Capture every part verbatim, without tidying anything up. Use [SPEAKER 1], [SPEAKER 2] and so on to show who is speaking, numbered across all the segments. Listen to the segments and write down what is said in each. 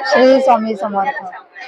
[SPEAKER 1] श्री स्वामी समर्थ.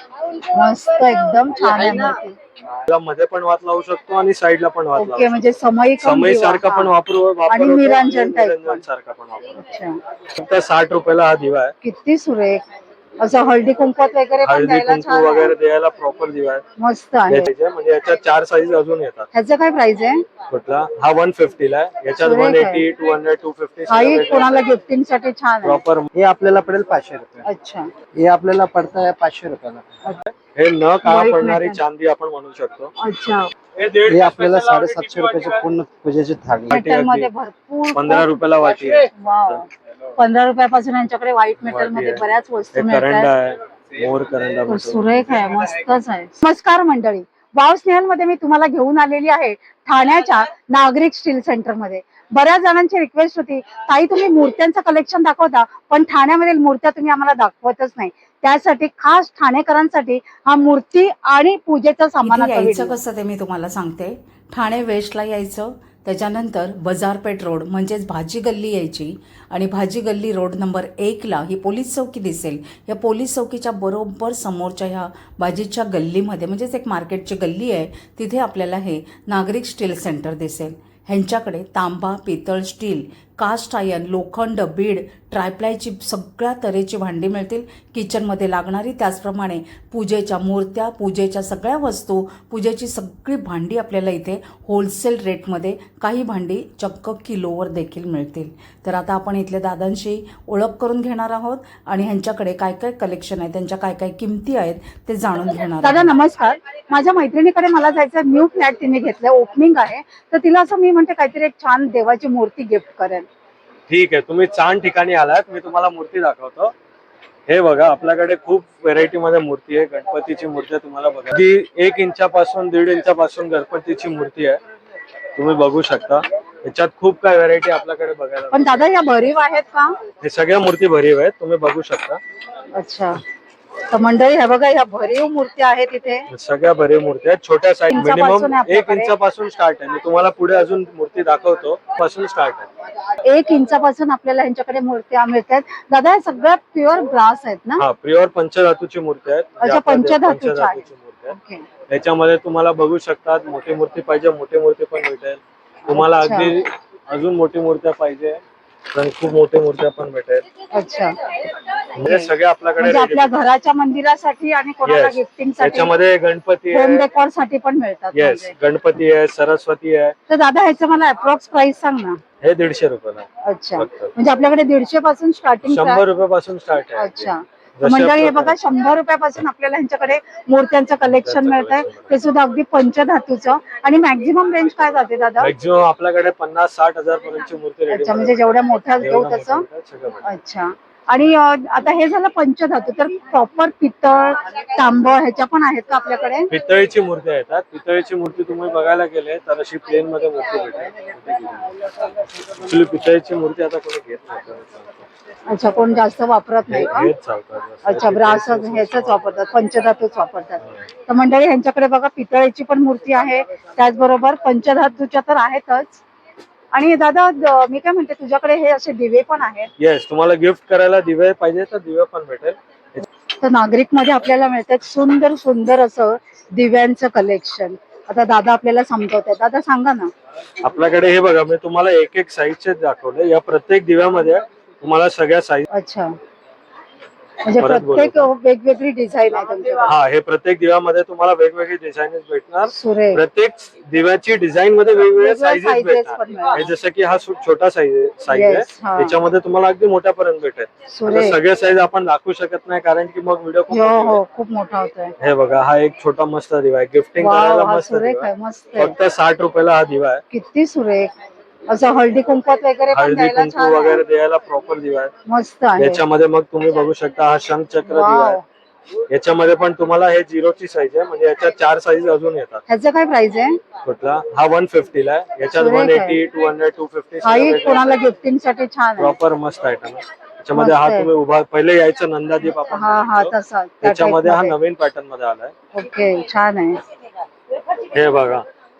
[SPEAKER 1] मस्त एकदम छान आहे मूर्ती.
[SPEAKER 2] त्याला मध्ये पण वात लावू शकतो आणि साईडला पण वात लावू
[SPEAKER 1] ओके, म्हणजे समई
[SPEAKER 2] समई सारखा पण वापरू
[SPEAKER 1] आणि निरंजन टाइप
[SPEAKER 2] निरंजन सारखा पण वापरू.
[SPEAKER 1] अच्छा,
[SPEAKER 2] फक्त साठ रुपयाला हा दिवा आहे.
[SPEAKER 1] किती सुरेख. असं हळदी कुंकवात वगैरे पण
[SPEAKER 2] हळदी
[SPEAKER 1] द्यायला
[SPEAKER 2] कुंकू
[SPEAKER 1] छान
[SPEAKER 2] वगैरे
[SPEAKER 1] आहे.
[SPEAKER 2] द्यायला प्रॉपर दिवा आहे.
[SPEAKER 1] मस्त आहे.
[SPEAKER 2] याच्या म्हणजे याच्यात चार साईज अजून येतात.
[SPEAKER 1] ह्याचं काय प्राइस आहे?
[SPEAKER 2] कुठला हा वन फिफ्टी ला आहे. याच्यात
[SPEAKER 1] सुरेख
[SPEAKER 2] वन
[SPEAKER 1] आहे.
[SPEAKER 2] Eighty two hundred two fifty
[SPEAKER 1] हाही कोणाला गिफ्टिंग साठी छान आहे.
[SPEAKER 2] प्रॉपर.
[SPEAKER 3] हे आपल्याला पडेल पाचशे रुपये.
[SPEAKER 1] अच्छा,
[SPEAKER 3] हे आपल्याला पडतं पाचशे रुपयाला.
[SPEAKER 2] हे न काळा
[SPEAKER 1] White
[SPEAKER 2] पडणारी
[SPEAKER 1] metal.
[SPEAKER 2] चांदी आपण म्हणू शकतो.
[SPEAKER 1] अच्छा.
[SPEAKER 3] हे आपल्याला साडेसातशे रुपयाची पूर्ण पूजेची थाळी.
[SPEAKER 1] मेटल मध्ये भरपूर
[SPEAKER 2] पंधरा रुपयाला वाटी आहे.
[SPEAKER 1] वाव. पंधरा रुपयापासून यांच्याकडे व्हाईट मेटल मध्ये
[SPEAKER 2] आहे.
[SPEAKER 1] बऱ्याच वस्तू
[SPEAKER 2] हे करंडा
[SPEAKER 1] मिळतात.
[SPEAKER 2] आहे, मोर करंडा म्हणतो.
[SPEAKER 1] सुरेख आहे, मस्तच आहे. नमस्कार मंडळी, वाव स्नेहल मध्ये मी तुम्हाला घेऊन आलेली आहे ठाण्याच्या नागरिक स्टील सेंटर मध्ये. बऱ्याच जणांची रिक्वेस्ट होती, ताई तुम्ही मूर्त्यांचं कलेक्शन दाखवता पण ठाण्यामधील मूर्त्या तुम्ही आम्हाला दाखवतच नाही. त्यासाठी खास ठाणेकरांसाठी हा मूर्ती आणि पूजेचं सामान
[SPEAKER 4] यायचं कसं ते मी तुम्हाला सांगते. ठाणे वेस्टला यायचं, त्याच्यानंतर बाजारपेठ रोड म्हणजेच भाजी गल्ली यायची आणि भाजी गल्ली रोड नंबर एकला ही पोलीस चौकी दिसेल. या पोलीस चौकीच्या बरोबर समोरच्या ह्या भाजीच्या गल्लीमध्ये म्हणजेच एक मार्केटची गल्ली आहे, तिथे आपल्याला हे नागरिक स्टील सेंटर दिसेल. ह्यांच्याकडे तांबा, पितळ, स्टील, कास्ट आयर्न, लोखंड, बीड, ट्रायप्लायची सगळ्या तऱ्हेची भांडी मिळतील. किचनमध्ये लागणारी, त्याचप्रमाणे पूजेच्या मूर्त्या, पूजेच्या सगळ्या वस्तू, पूजेची सगळी भांडी आपल्याला इथे होलसेल रेटमध्ये, काही भांडी चक्क किलोवर देखील मिळतील. तर आता आपण इथल्या दादांशी ओळख करून घेणार आहोत आणि ह्यांच्याकडे काय काय कलेक्शन आहे, त्यांच्या काय काय किमती आहेत ते जाणून घेणार.
[SPEAKER 1] दादा नमस्कार. माझ्या मैत्रिणीकडे मला जायचं, न्यू फ्लॅट तिने घेतलं, ओपनिंग आहे, तर तिला असं मी म्हणते काहीतरी एक छान देवाची मूर्ती गिफ्ट करेल.
[SPEAKER 2] ठीक आहे, तुम्ही छान ठिकाणी आलात. मी तुम्हाला मूर्ती दाखवतो. हे बघा, आपल्याकडे खूप व्हेरायटी मध्ये मूर्ती आहे. गणपतीची मूर्ती आहे, तुम्हाला बघा ती एक इंचापासून दीड इंचापासून गणपतीची मूर्ती आहे, तुम्ही बघू शकता. याच्यात खूप काय व्हेरायटी आपल्याकडे बघायला.
[SPEAKER 1] पण दादा या भरीव आहेत का?
[SPEAKER 2] हे सगळ्या मूर्ती भरीव आहेत, तुम्ही बघू शकता.
[SPEAKER 1] अच्छा, तर मंडळी हे बघा, या भरीव मूर्ती आहेत इथे.
[SPEAKER 2] सगळ्या भरीव मूर्ती आहेत. छोट्या साईज
[SPEAKER 1] इंचापासून
[SPEAKER 2] मिनिमम
[SPEAKER 1] आहे
[SPEAKER 2] एक
[SPEAKER 1] आपल्याकडे.
[SPEAKER 2] इंचापासून स्टार्ट आहे. मी तुम्हाला पुढे अजून मूर्ती दाखवतो. पासून स्टार्ट आहे.
[SPEAKER 1] एक इंचापासून आपल्याला यांच्याकडे मूर्त्या मिळतात. दादा हे सगळं प्युअर ग्लास आहेत ना?
[SPEAKER 2] हा, प्युअर पंचधातूची मूर्ती आहेत.
[SPEAKER 1] अच्छा, पंचधातूच्या
[SPEAKER 2] पंचधातूची मूर्ती आहे.
[SPEAKER 1] ओके.
[SPEAKER 2] याच्यामध्ये तुम्हाला बघू शकतात, मोठी मूर्ती पाहिजे मोठी मूर्ती पण भेटेल तुम्हाला.
[SPEAKER 1] अच्छा.
[SPEAKER 2] अगदी अजून मोठी मूर्त्या पाहिजे तर खूप मोठी मूर्त्या पण भेटेल.
[SPEAKER 1] अच्छा,
[SPEAKER 2] म्हणजे सगळे आपल्याकडे
[SPEAKER 1] म्हणजे
[SPEAKER 2] ready
[SPEAKER 1] आपल्या घराच्या मंदिरासाठी आणि कोणाला
[SPEAKER 2] Yes.
[SPEAKER 1] गिफ्टिंग साठी,
[SPEAKER 2] याच्यामध्ये गणपती
[SPEAKER 1] होम
[SPEAKER 2] आहे.
[SPEAKER 1] डेकोर साठी पण मिळतात.
[SPEAKER 2] येस,
[SPEAKER 1] म्हणजे.
[SPEAKER 2] गणपती आहे, सरस्वती आहे.
[SPEAKER 1] तर दादा ह्याचं मला अप्रॉक्स प्राइस सांग ना.
[SPEAKER 2] हे दीडशे रुपयाला आहे.
[SPEAKER 1] अच्छा,
[SPEAKER 2] फक्त.
[SPEAKER 1] म्हणजे आपल्याकडे दीडशे पासून स्टार्टिंग.
[SPEAKER 2] शंभर रुपयापासून स्टार्ट आहे.
[SPEAKER 1] अच्छा,
[SPEAKER 2] जसे
[SPEAKER 1] मंडळी हे
[SPEAKER 2] आपल्याकडे-
[SPEAKER 1] बघा, शंभर रुपयापासून आपल्याला ह्यांच्याकडे मूर्त्यांचं कलेक्शन मिळत आहे. ते सुद्धा अगदी पंचधातूचं. आणि मॅक्झिमम रेंज काय जाते दादा?
[SPEAKER 2] मॅक्झिमम आपल्याकडे पन्नास साठ हजार पर्यंतची मूर्ती रेडी.
[SPEAKER 1] अच्छा, म्हणजे जेवढ्या मोठ्या घेऊ तसं. अच्छा, आणि अं, आता हे झालं पंचधातू, तर प्रॉपर पितळ, तांब ह्याच्या पण आहेत का आपल्याकडे?
[SPEAKER 2] पितळीची मूर्ती येतात. पितळीची मूर्ती तुम्ही बघायला गेले तर अशी प्लेन मध्ये मूर्ती भेटेल. ऍक्च्युली पितळीची मूर्ती आता कोणी घेत नाही.
[SPEAKER 1] अच्छा, कोण जास्त वापरत नाही का?
[SPEAKER 2] हेच चालतात.
[SPEAKER 1] अच्छा, ब्रास ह्याच वापरतात, पंचधातूच वापरतात. तर मंडळी ह्यांच्याकडे बघा, पितळेची पण मूर्ती आहे, त्याचबरोबर पंचधातूच्या तर आहेतच. आणि दादा द- मी काय म्हणते, तुझ्याकडे हे असे दिवे पण आहेत.
[SPEAKER 2] येस, तुम्हाला गिफ्ट करायला दिवे पाहिजे तर दिवे पण भेटेल.
[SPEAKER 1] तर नागरिक मध्ये आपल्याला मिळतात सुंदर सुंदर असं दिव्यांचं कलेक्शन. आता दादा आपल्याला समजवतात. दादा सांगा ना.
[SPEAKER 2] आपल्याकडे हे बघा, मी तुम्हाला एक एक साईजचे दाखवले. या प्रत्येक दिव्यामध्ये तुम्हाला सगळ्या साईज.
[SPEAKER 1] अच्छा, म्हणजे
[SPEAKER 2] परत
[SPEAKER 1] प्रत्येक वेगवेगळी डिझाईन आहे तुमच्याकडे.
[SPEAKER 2] हा, हे प्रत्येक दिव्यामध्ये तुम्हाला वेगवेगळी डिझाईन भेटणार.
[SPEAKER 1] सुरेख.
[SPEAKER 2] प्रत्येक दिव्याची डिझाईन मध्ये वेगवेगळ्या
[SPEAKER 1] वेगवेगळ्या
[SPEAKER 2] साईजेस
[SPEAKER 1] sizes
[SPEAKER 2] भेटणार.
[SPEAKER 1] पण मिळणार.
[SPEAKER 2] हे जसं की हा सु- छोटा साईज साईज
[SPEAKER 1] Yes,
[SPEAKER 2] आहे,
[SPEAKER 1] हा.
[SPEAKER 2] त्याच्यामध्ये तुम्हाला अगदी मोठ्यापर्यंत भेटेल. आता
[SPEAKER 1] सुरेख.
[SPEAKER 2] सगळे साईज आपण दाखवू शकत नाही कारण की मग व्हिडिओ खूप
[SPEAKER 1] हो
[SPEAKER 2] मोठी
[SPEAKER 1] हो,
[SPEAKER 2] होईल.
[SPEAKER 1] खूप मोठा होतोय.
[SPEAKER 2] हे बघा, हा एक छोटा मस्त दिवा आहे. गिफ्टिंग
[SPEAKER 1] वाव,
[SPEAKER 2] करायला
[SPEAKER 1] हा
[SPEAKER 2] मस्त
[SPEAKER 1] सुरेख
[SPEAKER 2] दिवा
[SPEAKER 1] आहे,
[SPEAKER 2] आहे.
[SPEAKER 1] मस्त आहे.
[SPEAKER 2] फक्त साठ रुपयाला हा दिवा आहे.
[SPEAKER 1] किती सुरेख. असं हळदी कुंकवात वगैरे पण
[SPEAKER 2] हळदी
[SPEAKER 1] द्यायला
[SPEAKER 2] कुंकू
[SPEAKER 1] छान
[SPEAKER 2] वगैरे
[SPEAKER 1] आहे.
[SPEAKER 2] द्यायला प्रॉपर दिवा आहे.
[SPEAKER 1] मस्त आहे.
[SPEAKER 2] याच्यामध्ये मग तुम्ही बघू शकता, हा शंखचक्र दिवा
[SPEAKER 1] वाव.
[SPEAKER 2] आहे. याच्यामध्ये पण तुम्हाला हे झिरोची साईज आहे, म्हणजे याच्यात चार साईज अजून येतात.
[SPEAKER 1] ह्याचं काय प्राइस आहे?
[SPEAKER 2] कुठला हा वन फिफ्टी ला आहे. याच्यात
[SPEAKER 1] सुरेख
[SPEAKER 2] वन
[SPEAKER 1] आहे.
[SPEAKER 2] Eighty two hundred two fifty
[SPEAKER 1] हाही कोणाला गिफ्टिंग साठी छान आहे.
[SPEAKER 2] प्रॉपर मस्त आयटम आहे. त्याच्यामध्ये
[SPEAKER 1] मस्त
[SPEAKER 2] हा
[SPEAKER 1] आहे.
[SPEAKER 2] तुम्ही उभा पहिले यायचं नंदादीप आपण
[SPEAKER 1] हा हा,
[SPEAKER 2] म्हणतो.
[SPEAKER 1] तसा त्या
[SPEAKER 2] त्याच्यामध्ये हा
[SPEAKER 1] type मध्ये.
[SPEAKER 2] नवीन पॅटर्न मध्ये आलाय.
[SPEAKER 1] ओके, छान आहे.
[SPEAKER 2] हे बघा,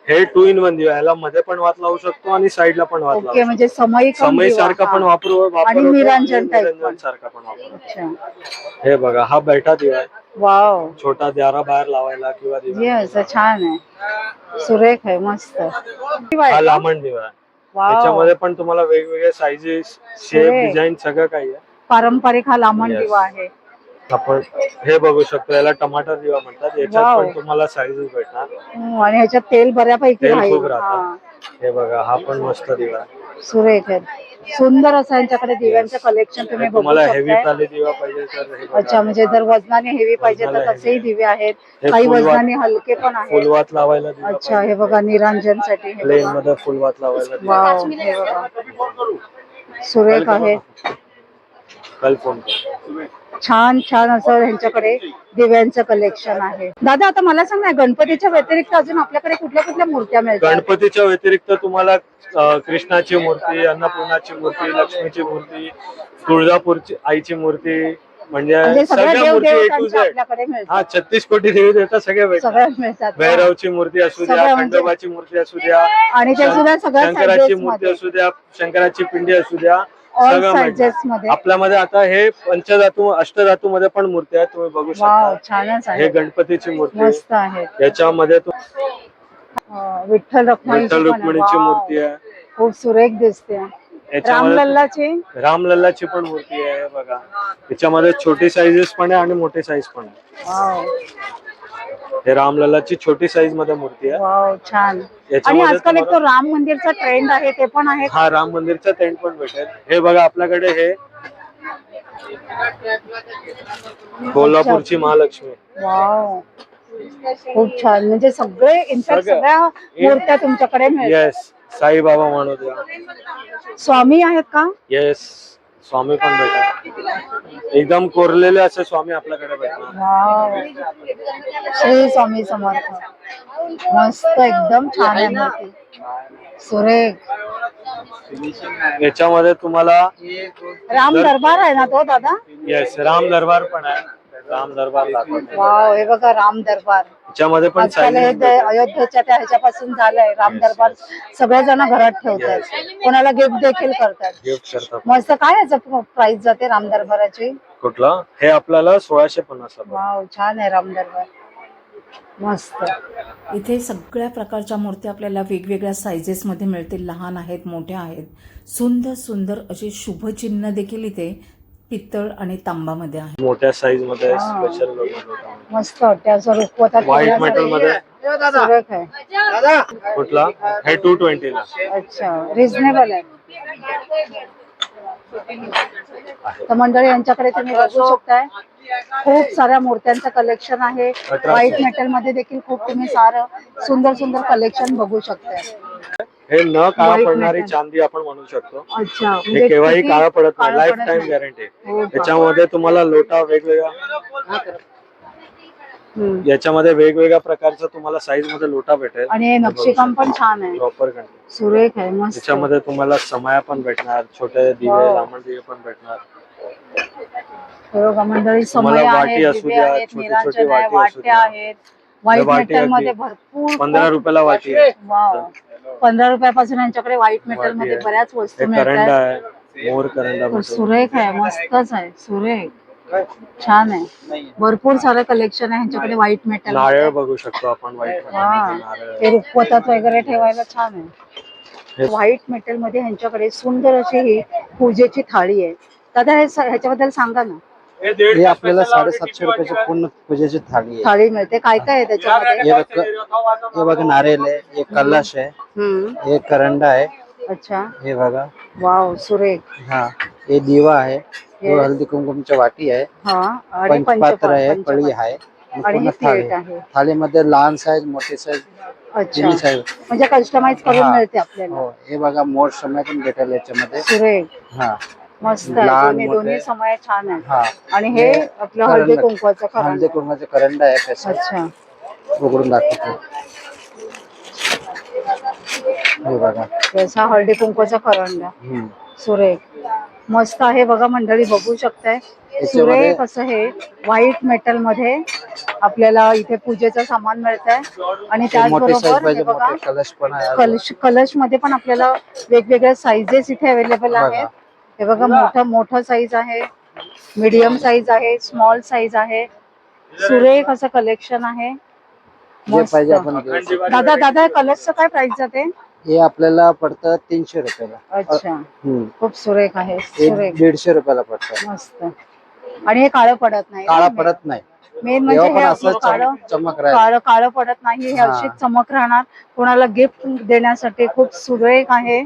[SPEAKER 2] हे टू इन वन दिवा, याला मध्ये पण वात लावू शकतो आणि साईडला पण वात लावू
[SPEAKER 1] ओके, म्हणजे समई
[SPEAKER 2] शकतो. समय सारखा पण वापरू वापरू
[SPEAKER 1] आणि
[SPEAKER 2] शकतो
[SPEAKER 1] निरंजन type
[SPEAKER 2] निरंजन
[SPEAKER 1] पण.
[SPEAKER 2] सारखा पण वापरू.
[SPEAKER 1] अच्छा,
[SPEAKER 2] हे बघा, हा बैठा दिवा आहे,
[SPEAKER 1] वाव,
[SPEAKER 2] छोटा दारा बाहेर लावायला किंवा दिवा.
[SPEAKER 1] येस, छान आहे, सुरेख आहे, मस्त.
[SPEAKER 2] हा लांबण दिवा आहे,
[SPEAKER 1] वाव,
[SPEAKER 2] याच्यामध्ये पण तुम्हाला वेगवेगळे साईजेस, शेप,
[SPEAKER 1] Correct.
[SPEAKER 2] डिझाईन सगळं काही आहे.
[SPEAKER 1] पारंपरिक हा लांबण
[SPEAKER 2] Yes.
[SPEAKER 1] दिवा आहे.
[SPEAKER 2] आपण हे बघू शकतो, याला टमाटर दिवा म्हणतात. याच्यात
[SPEAKER 1] Wow.
[SPEAKER 2] पण तुम्हाला साईजेस भेटणार.
[SPEAKER 1] हम्म, आणि ह्याच्यात तेल बऱ्यापैकी
[SPEAKER 2] तेल
[SPEAKER 1] राहील.
[SPEAKER 2] खूप राहतं.
[SPEAKER 1] हा,
[SPEAKER 2] हे बघा, हा पण मस्त दिवा आहे.
[SPEAKER 1] सुरेख आहे, सुंदर असं यांच्याकडे दिव्यांचं कलेक्शन तुम्ही
[SPEAKER 2] हे
[SPEAKER 1] बघू
[SPEAKER 2] तुम्हाला हेवी
[SPEAKER 1] शकताय.
[SPEAKER 2] ताली दिवा पाहिजे तर हे बघा.
[SPEAKER 1] अच्छा, म्हणजे जर वजनाने हेवी पाहिजे तर
[SPEAKER 2] वजनाला
[SPEAKER 1] तसेही
[SPEAKER 2] heavy.
[SPEAKER 1] दिवे आहेत,
[SPEAKER 2] हे
[SPEAKER 1] काही
[SPEAKER 2] फुलवात-
[SPEAKER 1] वजनाने हलके पण आहेत.
[SPEAKER 2] फुलवात लावायला दिवा
[SPEAKER 1] अच्छा, हे बघा, निरांजन साठी हे
[SPEAKER 2] प्लेन
[SPEAKER 1] बघा.
[SPEAKER 2] मध्ये फुलवात लावायला दिवा.
[SPEAKER 1] वाव, हे बघा, सुरेख आहे,
[SPEAKER 2] कल फोन कर.
[SPEAKER 1] छान छान असं ह्यांच्याकडे दिव्यांचं कलेक्शन आहे. दादा, आता मला सांग ना, गणपतीच्या व्यतिरिक्त अजून आपल्याकडे कुठल्या कुठल्या मूर्त्या मिळतात?
[SPEAKER 2] गणपतीच्या व्यतिरिक्त तुम्हाला अं, कृष्णाची मूर्ती, अन्नपूर्णाची मूर्ती, लक्ष्मीची मूर्ती, तुळजापूरची आईची मूर्ती, म्हणजे
[SPEAKER 1] म्हणजे सगळ्या
[SPEAKER 2] सगळ्या
[SPEAKER 1] देव
[SPEAKER 2] मूर्ती ए टू
[SPEAKER 1] देवतांच्या
[SPEAKER 2] झेड.
[SPEAKER 1] आपल्याकडे
[SPEAKER 2] हा,
[SPEAKER 1] मिळतात,
[SPEAKER 2] छत्तीस कोटी देवी देवता सगळे भेटतात.
[SPEAKER 1] सगळ्या मिळतात.
[SPEAKER 2] भैरवची मूर्ती असू द्या,
[SPEAKER 1] सगळ्या म्हणजे-
[SPEAKER 2] खंडोबाची मूर्ती असू द्या,
[SPEAKER 1] आणि ते सुद्धा सगळ्या
[SPEAKER 2] शंकराची
[SPEAKER 1] sizes
[SPEAKER 2] मूर्ती
[SPEAKER 1] मध्ये.
[SPEAKER 2] असू द्या, शंकराची पिंडी असू द्या,
[SPEAKER 1] ऑल
[SPEAKER 2] सगळं
[SPEAKER 1] साइजेस
[SPEAKER 2] मिळतं.
[SPEAKER 1] मध्ये.
[SPEAKER 2] आपल्यामध्ये आता हे पंचधातू अष्टधातू मध्ये पण मूर्ती आहेत, तुम्ही बघू
[SPEAKER 1] वाव,
[SPEAKER 2] शकता.
[SPEAKER 1] छानच
[SPEAKER 2] हे
[SPEAKER 1] आहे,
[SPEAKER 2] गणपतीची मूर्ती,
[SPEAKER 1] मस्त आहेत.
[SPEAKER 2] याच्यामध्ये तु-
[SPEAKER 1] अं, विठ्ठल रखुमाईची
[SPEAKER 2] विठ्ठल
[SPEAKER 1] पण आहे.
[SPEAKER 2] रुक्मिणीची
[SPEAKER 1] वाव,
[SPEAKER 2] मूर्ती आहे.
[SPEAKER 1] खूप सुरेख दिसते.
[SPEAKER 2] याच्यामध्ये
[SPEAKER 1] रामलल्लाची,
[SPEAKER 2] रामलल्लाची पण मूर्ती आहे बघा. याच्यामध्ये छोटी साईजेस पण आहे आणि मोठी साईज पण आहे.
[SPEAKER 1] वाव,
[SPEAKER 2] हे रामलल्लाची छोटी साईज मध्ये मूर्ती आहे.
[SPEAKER 1] वाव, छान. आणि
[SPEAKER 2] याच्यामध्ये
[SPEAKER 1] आजकाल एक तो
[SPEAKER 2] तुम्हाला-
[SPEAKER 1] राम मंदिरचा ट्रेंड आहे, ते पण आहे.
[SPEAKER 2] हा, राम मंदिरचा टेंट पण भेटेल. हे बघा, आपल्याकडे हे कोल्हापूरची महालक्ष्मी.
[SPEAKER 1] वाव, खूप छान. म्हणजे सगळे इनफॅक्ट
[SPEAKER 2] सगळं.
[SPEAKER 1] सगळ्या मूर्त्या तुमच्याकडे मिळतात.
[SPEAKER 2] येस, साईबाबा म्हणू द्या.
[SPEAKER 1] स्वामी आहेत का?
[SPEAKER 2] येस, स्वामी पण भेटतात. एकदम कोरलेले असे स्वामी आपल्याकडे भेटणार.
[SPEAKER 1] वाव, श्री स्वामी समर्थ, मस्त, एकदम छान आहे मूर्ती, सुरेख.
[SPEAKER 2] याच्यामध्ये तुम्हाला
[SPEAKER 1] राम दरबार आहे ना तो दादा?
[SPEAKER 2] येस, राम दरबार पण आहे. राम दरबार दाखवतो.
[SPEAKER 1] वाव, हे बघा, राम दरबार.
[SPEAKER 2] याच्यामध्ये पण
[SPEAKER 1] आजकाल हे
[SPEAKER 2] साईज
[SPEAKER 1] ते अयोध्येच्या त्या ह्याच्यापासून झालंय राम दरबार. सगळे जण घरात ठेवतात, कोणाला गिफ्ट देखील करतात.
[SPEAKER 2] गिफ्ट करतात.
[SPEAKER 1] मस्त. काय याचं प्राइस जाते राम दरबाराची?
[SPEAKER 2] कुठला? हे आपल्याला सोळाशे पन्नास.
[SPEAKER 1] वाव, छान आहे राम दरबार, मस्त.
[SPEAKER 4] इथे सगळ्या प्रकारच्या मूर्त्या आपल्याला वेगवेगळ्या सायझेसमध्ये मिळतील. लहान आहेत, मोठ्या आहेत. सुंदर सुंदर अशी शुभचिन्ह देखील इथे पित्तळ आणि तांबामध्ये आहे.
[SPEAKER 2] मोठ्या साईज मध्ये
[SPEAKER 1] हा.
[SPEAKER 2] स्पेशल
[SPEAKER 1] मस्त वाटते असं रुखवतात
[SPEAKER 2] व्हाईट मेटल मध्ये.
[SPEAKER 1] सुरेख आहे.
[SPEAKER 2] कुठला? हे टू ट्वेंटी ला.
[SPEAKER 1] अच्छा, रिझनेबल आहे. तर मंडळी, यांच्याकडे तुम्ही बघू शकताय, खूप साऱ्या मूर्त्यांचं कलेक्शन आहे. व्हाईट मेटल मध्ये देखील खूप तुम्ही सारं सुंदर सुंदर कलेक्शन बघू शकताय.
[SPEAKER 2] हे न काळा
[SPEAKER 1] White
[SPEAKER 2] पडणारी
[SPEAKER 1] metal.
[SPEAKER 2] चांदी आपण म्हणू शकतो.
[SPEAKER 1] अच्छा,
[SPEAKER 2] हे
[SPEAKER 1] म्हणजे
[SPEAKER 2] केव्हाही
[SPEAKER 1] किती
[SPEAKER 2] काळा पडत नाही.
[SPEAKER 1] काळं
[SPEAKER 2] लाईफ
[SPEAKER 1] पडत
[SPEAKER 2] टाइम
[SPEAKER 1] नाही.
[SPEAKER 2] गॅरंटी.
[SPEAKER 1] हो का?
[SPEAKER 2] याच्यामध्ये तुम्हाला लोटा वेगवेगळ्या
[SPEAKER 1] हम्म.
[SPEAKER 2] याच्यामध्ये वेगवेगळ्या प्रकारचा तुम्हाला साईज मध्ये लोटा भेटेल.
[SPEAKER 1] आणि हे नक्षीकाम पण छान आहे,
[SPEAKER 2] प्रॉपर.
[SPEAKER 1] सुरेख आहे, मस्त.
[SPEAKER 2] त्याच्यामध्ये तुम्हाला समया पण भेटणार, छोटे दिवे,
[SPEAKER 1] Wow.
[SPEAKER 2] लांबण दिवे पण भेटणार.
[SPEAKER 1] हे बघा मंडळी,
[SPEAKER 2] तुम्हाला
[SPEAKER 1] समय
[SPEAKER 2] वाटी
[SPEAKER 1] आहेत,
[SPEAKER 2] असू
[SPEAKER 1] दिवे
[SPEAKER 2] द्या,
[SPEAKER 1] आहेत,
[SPEAKER 2] छोटी छोटी
[SPEAKER 1] निरांजन आहे,
[SPEAKER 2] वाटी असू
[SPEAKER 1] वाट्या
[SPEAKER 2] द्या.
[SPEAKER 1] आहेत. व्हाईट
[SPEAKER 2] वाटी
[SPEAKER 1] मेटल मध्ये
[SPEAKER 2] अगदी
[SPEAKER 1] भरपूर
[SPEAKER 2] पंधरा रुपयाला वाटी आहे.
[SPEAKER 1] वाव, पंधरा रुपयापासून यांच्याकडे व्हाईट मेटल
[SPEAKER 2] वाटी
[SPEAKER 1] मध्ये
[SPEAKER 2] आहे.
[SPEAKER 1] बऱ्याच वस्तू
[SPEAKER 2] हे करंडा
[SPEAKER 1] मिळतात.
[SPEAKER 2] आहे, मोर करंडा
[SPEAKER 1] तो
[SPEAKER 2] भेटेल.
[SPEAKER 1] सुरेख आहे, मस्तच आहे, सुरेख, छान आहे. भरपूर सारं कलेक्शन आहे ह्यांच्याकडे व्हाईट मेटल.
[SPEAKER 2] नारळ बघू शकतो आपण. व्हाईट
[SPEAKER 1] हा,
[SPEAKER 2] नारळ.
[SPEAKER 1] ते रुखवतात वगैरे ठेवायला छान आहे.
[SPEAKER 2] हे-
[SPEAKER 1] व्हाईट मेटल मध्ये ह्यांच्याकडे सुंदर अशी ही पूजेची थाळी आहे. दादा, हे स- ह्याच्याबद्दल सांगा ना.
[SPEAKER 3] हे आपल्याला साडेसातशे रुपयाची पूर्ण पूजेची थाळी आहे.
[SPEAKER 1] थाळी मिळते, काय काय आहे त्याच्यामध्ये?
[SPEAKER 3] हे बघ, हे बघा, नारळ आहे, एक कलश आहे,
[SPEAKER 1] हम्म,
[SPEAKER 3] एक करंडा आहे,
[SPEAKER 1] अच्छा,
[SPEAKER 3] हे बघा,
[SPEAKER 1] वाव, सुरेख.
[SPEAKER 3] हा, हे दिवा आहे, हे
[SPEAKER 1] Yes.
[SPEAKER 3] हळदी कुंकुमच्या वाटी आहे,
[SPEAKER 1] हा, आणि
[SPEAKER 3] पंचपात्र
[SPEAKER 1] पंचपात्र
[SPEAKER 3] आहे,
[SPEAKER 1] पंचपात्र.
[SPEAKER 3] पळी आहे, आणि
[SPEAKER 1] आणि
[SPEAKER 3] पूर्ण
[SPEAKER 1] ही
[SPEAKER 3] थाळी
[SPEAKER 1] प्लेट आहे.
[SPEAKER 3] थाळीमध्ये लहान साईज, मोठी साईज,
[SPEAKER 1] अच्छा,
[SPEAKER 3] तिन्ही साईज.
[SPEAKER 1] म्हणजे कस्टमाइज करून
[SPEAKER 3] हा.
[SPEAKER 1] मिळते आपल्याला.
[SPEAKER 3] हो, हे बघा, मोठ समय पण भेटेल याच्यामध्ये.
[SPEAKER 1] सुरेख,
[SPEAKER 3] हा,
[SPEAKER 1] मस्त आहे.
[SPEAKER 3] लहान,
[SPEAKER 1] दोन्ही
[SPEAKER 3] मोठे.
[SPEAKER 1] दोन्ही समय छान आहे.
[SPEAKER 3] हा,
[SPEAKER 1] आणि हे आपलं हळदी
[SPEAKER 3] करंडा.
[SPEAKER 1] कुंकवाचं
[SPEAKER 3] हळदी
[SPEAKER 1] खरं.
[SPEAKER 3] कुंकवाचा करंडा आहे, कसं
[SPEAKER 1] अच्छा,
[SPEAKER 3] उघडून दाखवतो. हे बघा.
[SPEAKER 1] तसा हळदी कुंकवाचा करंडा.
[SPEAKER 3] हम्म.
[SPEAKER 1] सुरेख, मस्त आहे बघा मंडळी, बघू शकताय. सुरेख असं हे व्हाईट मेटल मध्ये आपल्याला इथे पूजेचं सामान मिळत आहे आणि
[SPEAKER 3] मोठे साईज
[SPEAKER 1] त्याचबरोबर
[SPEAKER 3] पाहिजे
[SPEAKER 1] हे बघा
[SPEAKER 3] मोठे कलश पण आहे अजून.
[SPEAKER 1] कलश कलश मध्ये पण आपल्याला वेगवेगळ्या साईजेस इथे अवेलेबल आहेत. हे बघा मोठं मोठं साईज आहे, मीडियम साईज आहे, स्मॉल साईज आहे. सुरेख असं कलेक्शन आहे.
[SPEAKER 3] जे
[SPEAKER 1] मस्त.
[SPEAKER 3] पाहिजे आपण घेऊ शकतो.
[SPEAKER 1] दादा दादा कलशचं काय प्राइस जाते?
[SPEAKER 3] हे आपल्याला पडतं तीनशे रुपयाला.
[SPEAKER 1] अच्छा,
[SPEAKER 3] हम्म.
[SPEAKER 1] खूप सुरेख आहे,
[SPEAKER 3] हे
[SPEAKER 1] सुरेख
[SPEAKER 3] दीडशे रुपयाला पडतं.
[SPEAKER 1] मस्त. आणि हे काळं पडत नाही.
[SPEAKER 3] काळा पडत नाही.
[SPEAKER 1] मेन म्हणजे
[SPEAKER 3] तेव्हा
[SPEAKER 1] हे
[SPEAKER 3] पण
[SPEAKER 1] आपलं
[SPEAKER 3] असं
[SPEAKER 1] काळं
[SPEAKER 3] चम- चमक राहील.
[SPEAKER 1] काळं काळं पडत नाही. हे
[SPEAKER 3] हा.
[SPEAKER 1] अशीच चमक राहणार. कोणाला गिफ्ट देण्यासाठी खूप सुरेख आहे.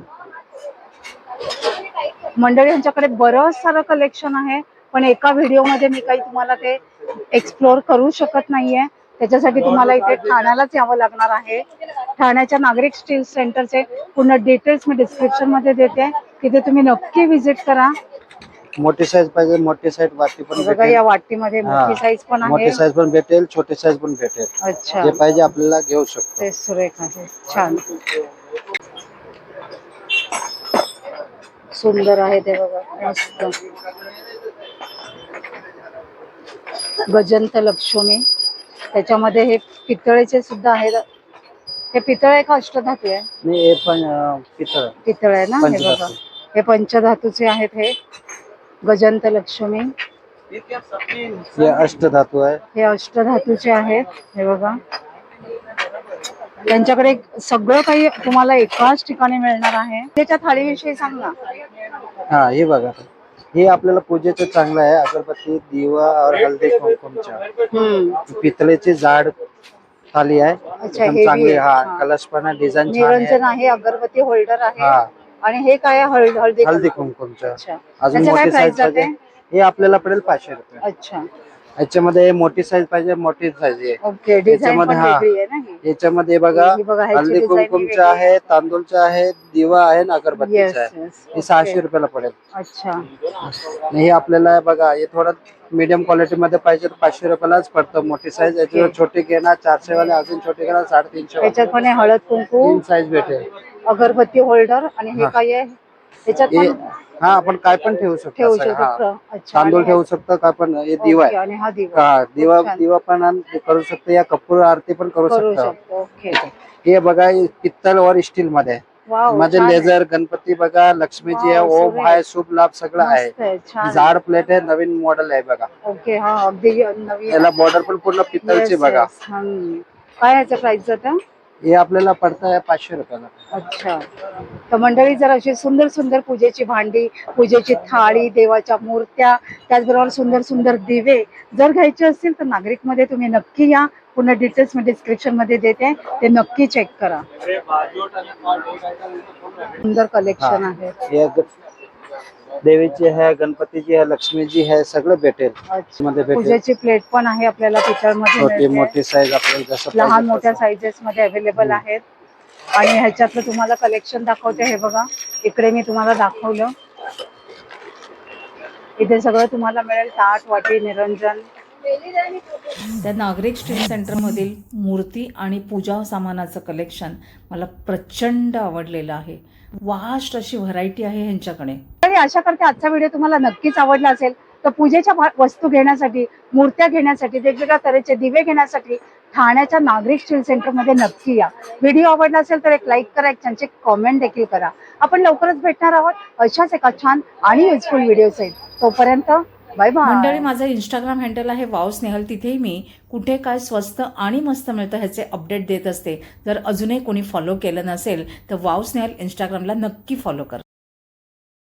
[SPEAKER 1] मंडळी यांच्याकडे बरंच सारं कलेक्शन आहे, पण एका व्हिडिओमध्ये मी काही तुम्हाला ते एक्सप्लोर करू शकत नाहीये. त्याच्यासाठी तुम्हाला इथे ठाण्यालाच यावं लागणार आहे. ठाण्याच्या नागरिक स्टील सेंटरचे पूर्ण डिटेल्स मी डिस्क्रिप्शन मध्ये देते, तिथे तुम्ही नक्की व्हिजिट करा.
[SPEAKER 3] मोठी साईज पाहिजे मोठी साईज वाटी पण
[SPEAKER 1] बघा
[SPEAKER 3] भेटेल.
[SPEAKER 1] या वाटीमध्ये
[SPEAKER 3] हा.
[SPEAKER 1] मोठी साईज पण आहे.
[SPEAKER 3] मोठी साईज पण भेटेल छोटी साईज पण भेटेल.
[SPEAKER 1] अच्छा,
[SPEAKER 3] जे पाहिजे आपल्याला घेऊ शकतो.
[SPEAKER 1] ते सुरेख आहे, छान सुंदर आहे ते बघा, मस्त. गजंत लक्ष्मी, त्याच्यामध्ये हे पितळेचे सुद्धा आहेत. हे पितळ आहे का अष्टधातू आहे?
[SPEAKER 3] नाही हे पण अं, पितळ
[SPEAKER 1] पितळ आहे ना. हे
[SPEAKER 3] पंचधातू.
[SPEAKER 1] बघा हे पंचधातूचे आहेत. हे गजंत लक्ष्मी,
[SPEAKER 3] हे अष्टधातू आहे.
[SPEAKER 1] हे अष्टधातूचे आहेत. हे बघा त्यांच्याकडे सगळं काही तुम्हाला एकाच ठिकाणी मिळणार आहे. त्याच्या थाळीविषयी सांग ना.
[SPEAKER 3] हा हे बघा हे आपल्याला पूजेचं चांगलं आहे. अगरबत्ती दिवा और हल्दी कुंकुमच्या
[SPEAKER 1] हम्म.
[SPEAKER 3] पितळेची जाड थाली आहे.
[SPEAKER 1] अच्छा,
[SPEAKER 3] एकदम
[SPEAKER 1] heavy
[SPEAKER 3] चांगली.
[SPEAKER 1] आहे.
[SPEAKER 3] हा
[SPEAKER 1] हा.
[SPEAKER 3] कलश पण आहे, डिझाईन छान
[SPEAKER 1] निरंजन
[SPEAKER 3] आहे.
[SPEAKER 1] आहे, अगरबत्ती होल्डर आहे.
[SPEAKER 3] हा
[SPEAKER 1] आणि हे काय आहे? हळदी हळदी
[SPEAKER 3] हल्दी
[SPEAKER 1] कुंकू.
[SPEAKER 3] कुंकुमच्या.
[SPEAKER 1] अच्छा,
[SPEAKER 3] अजून
[SPEAKER 1] त्याचं काय
[SPEAKER 3] मोठी
[SPEAKER 1] प्राइस
[SPEAKER 3] साईज
[SPEAKER 1] जाते?
[SPEAKER 3] पाहिजे हे आपल्याला पडेल पाचशे रुपये.
[SPEAKER 1] अच्छा,
[SPEAKER 3] याच्यामध्ये मोठी साईज पाहिजे मोठी साईज आहे.
[SPEAKER 1] ओके. डिझाईन पण
[SPEAKER 3] याच्यामध्ये हा
[SPEAKER 1] वेगळी आहे ना ही.
[SPEAKER 3] याच्यामध्ये बघा
[SPEAKER 1] ही बघा, ह्याची
[SPEAKER 3] हल्दी
[SPEAKER 1] design ही
[SPEAKER 3] कुंकुमचा
[SPEAKER 1] वेगळी
[SPEAKER 3] आहे, तांदूळचा आहे, दिवा आहे आणि
[SPEAKER 1] Yes,
[SPEAKER 3] अगरबत्तीचा आहे.
[SPEAKER 1] yes.
[SPEAKER 3] हे सहाशे
[SPEAKER 1] Okay.
[SPEAKER 3] रुपयाला पडेल.
[SPEAKER 1] अच्छा,
[SPEAKER 3] आणि हे आपल्याला बघा हे थोडं मीडियम क्वालिटी मध्ये पाहिजे तर पाचशे रुपयालाच पडतं. मोठी साईज याच्यावर
[SPEAKER 1] Okay.
[SPEAKER 3] छोटी घेणार चारशे वाले अजून छोटे घेणार साडेतीनशे वाले.
[SPEAKER 1] त्याच्यात पण आहे हळद कुंकू,
[SPEAKER 3] तीन साईज भेटेल.
[SPEAKER 1] अगरबत्ती होल्डर. आणि हे
[SPEAKER 3] हा.
[SPEAKER 1] काय आहे? त्याच्यात
[SPEAKER 3] हे
[SPEAKER 1] पण
[SPEAKER 3] हा आपण काय पण ठेवू शकतो
[SPEAKER 1] ठेवू
[SPEAKER 3] असं. हा.
[SPEAKER 1] शकतो. अच्छा,
[SPEAKER 3] तांदूळ
[SPEAKER 1] आणि
[SPEAKER 3] ठेवू शकतो काय पण. हे दिवा
[SPEAKER 1] ओके,
[SPEAKER 3] आहे.
[SPEAKER 1] आणि हा दिवा
[SPEAKER 3] हा दिवा
[SPEAKER 1] खूप छान.
[SPEAKER 3] दिवा पण आण- करू शकतो या कपूर आरती पण करू
[SPEAKER 1] करू
[SPEAKER 3] शकतो.
[SPEAKER 1] शकतो. ओके,
[SPEAKER 3] हे बघा हे पित्तल और स्टील मध्ये आहे.
[SPEAKER 1] वाव,
[SPEAKER 3] मध्ये
[SPEAKER 1] छान आहे.
[SPEAKER 3] लेझर गणपती बघा लक्ष्मीजी आहे,
[SPEAKER 1] वाव,
[SPEAKER 3] ओम
[SPEAKER 1] सुरेख.
[SPEAKER 3] आहे, शुभ लाभ सगळं आहे.
[SPEAKER 1] मस्त आहे, छान आहे.
[SPEAKER 3] जाड प्लेट आहे, नवीन मॉडेल आहे बघा.
[SPEAKER 1] ओके, हा अगदी नवीन.
[SPEAKER 3] याला बॉर्डर पण पूर्ण पित्तलची
[SPEAKER 1] Yes,
[SPEAKER 3] बघा.
[SPEAKER 1] yes. हम्म. काय ह्याचं प्राइस जातं?
[SPEAKER 3] हे आपल्याला पडतं आहे पाचशे रुपयाला.
[SPEAKER 1] अच्छा, तर मंडळी जर अशी सुंदर सुंदर पूजेची भांडी, पूजेची थाळी, देवाच्या मूर्त्या, त्याचबरोबर सुंदर सुंदर दिवे जर घ्यायचे असतील तर नागरिकमध्ये तुम्ही नक्की या. पूर्ण डिटेल्स मी डिस्क्रिप्शन मध्ये देते, ते नक्की चेक करा. सुंदर कलेक्शन आहे.
[SPEAKER 3] हे ग- देवीची आहे, गणपतीची आहे, लक्ष्मीजी आहे, सगळं भेटेल.
[SPEAKER 1] अच्छा,
[SPEAKER 3] मध्ये भेटेल.
[SPEAKER 1] पूजेची प्लेट पण आहे आपल्याला पितळमध्ये
[SPEAKER 3] छोटी
[SPEAKER 1] मिळते.
[SPEAKER 3] मोठी साईज आपल्याला जसं
[SPEAKER 1] लहान
[SPEAKER 3] पाहिजे
[SPEAKER 1] मोठ्या
[SPEAKER 3] तसं.
[SPEAKER 1] साईजेस मध्ये अवेलेबल आहेत. आणि ह्याच्यातलं तुम्हाला कलेक्शन दाखवते. हे बघा इकडे मी तुम्हाला दाखवलं. इथे सगळं तुम्हाला मिळेल, ताट वाटी निरंजन.
[SPEAKER 4] त्या नागरिक स्ट्रीट सेंटरमधील मूर्ती आणि पूजा सामानाचं कलेक्शन मला प्रचंड आवडलेलं आहे. वास्ट अशी व्हरायटी आहे ह्यांच्याकडे.
[SPEAKER 1] आणि आशा करते आजचा व्हिडिओ तुम्हाला नक्कीच आवडला असेल. तर पूजेच्या भा- वस्तू घेण्यासाठी, मूर्त्या घेण्यासाठी, वेगवेगळ्या तऱ्हेचे दिवे घेण्यासाठी ठाण्याच्या नागरिक स्टील सेंटरमध्ये नक्की या. व्हिडिओ आवडला असेल तर एक लाईक करा, एक छानचे कॉमेंट देखील करा. आपण लवकरच भेटणार आहोत अशाच एका छान आणि युजफुल व्हिडिओ सहित. तोपर्यंत बाय बाय.
[SPEAKER 4] मंडळी माझं इंस्टाग्राम हँडल आहे वाव स्नेहल. तिथेही मी कुठे काय स्वस्त आणि मस्त मिळतं ह्याचे अपडेट देत असते. जर अजूनही कोणी फॉलो केलं नसेल तर वाव स्नेहल इंस्टाग्रामला नक्की फॉलो करा.